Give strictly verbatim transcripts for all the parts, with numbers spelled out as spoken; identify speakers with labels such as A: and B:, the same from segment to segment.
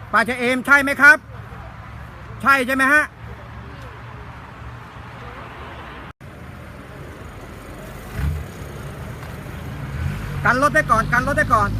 A: ป้าชะเอมใช่ไหมครับใช่ใช่ไหมฮะกันรถได้ก่อนกันรถได้ก่อน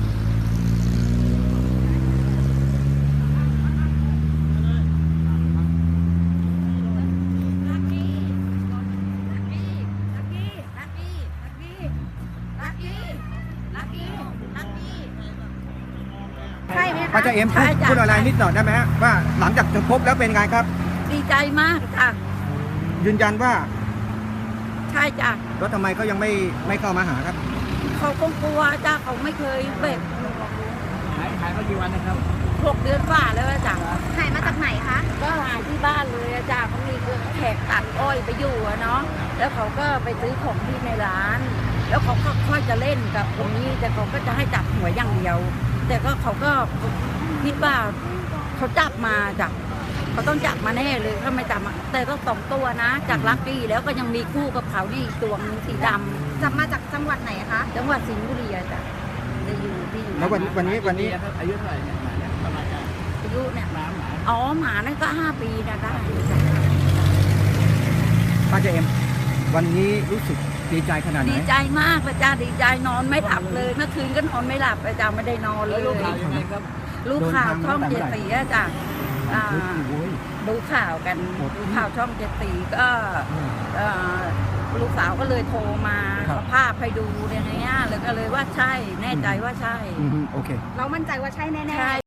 B: ใช่ไหมคะ
A: ป้าชะเอมพูดพูดอะไรนิดหน่อยได้ไหมฮะว่าหลังจากจะพบแล้วเป็นไงครับ
B: ดีใจมากจ้ะ
A: ยืนยันว่า
B: ใช่จ้ะ
A: แล้วทำไมเขายังไม่ไม่เข้ามาหาครับ
B: เขาคงกลัวจ้ะเขาไม่เคยเบ็ด
C: หายหายมากี่วันนะครับ
B: หกเดือนฝ่าแล้วอะจ้ะ
D: หายมาจากไหนคะ
B: ก็หายที่บ้านเลยอะจ้ะเขามีแขกตัดอ้อยไปอยู่อะเนาะแล้วเขาก็ไปซื้อของที่ในร้าน แล้วเขาก็ค่อยจะเล่นกับคนนี้แต่เขาก็จะให้จับหัวอย่างเดียว แต่ก็เขาก็คิดว่าเขาจับมาจ้ะเขาต้องจับมาแน่เลยถ้าไม่จับมาแต่ก็สองตัวนะ จากลักกี้แล้วก็ยังมีคู่กับเขานี่อีกตัวนึงสีดำ
D: จับมาจากจังหวัดไหนคะ
B: จังหวัดสิงห์บุรีอะจ้ะจะอยู่ที่อยู่
A: แล้ววันวันนี้วันนี้
C: ครับอายุเท่าไหร่เนี่ยหมาเนี่ยประมาณการ
B: อายุเนี่ย
C: หมาหมา
B: อ๋อหมานั่นก็ห้าปีนะได้จ้ะ
A: ป้าชะเอมวันนี้รู้สึกดีใจขนาดไหน
B: ดีใจมากเลยจ้าดีใจนอนไม่หลับเลยเมื่อคืนก็นอนไม่หลับเลยจ้าไม่ได้นอนเล
C: แล้ว
B: ย
C: ลูกข่าวยังไงครับ
B: ลูกข่าวช่องเจ็ดสีอะจ้ะอ่า
A: โอ้ย
B: ดูข่าวกัน
A: โอ้โห
B: ดูข่าวช่องเจ็ดสีก็เอ่อลูกสาวก็เลยโทรมา
A: ครับ
B: เอาภาพให้ดูเนี่ยนะแล้วก็เลยว่าใช่แน่ใจว่าใช่
A: อืมโอเค
D: เรามั่นใจว่าใช่แน่ๆ
B: ใช่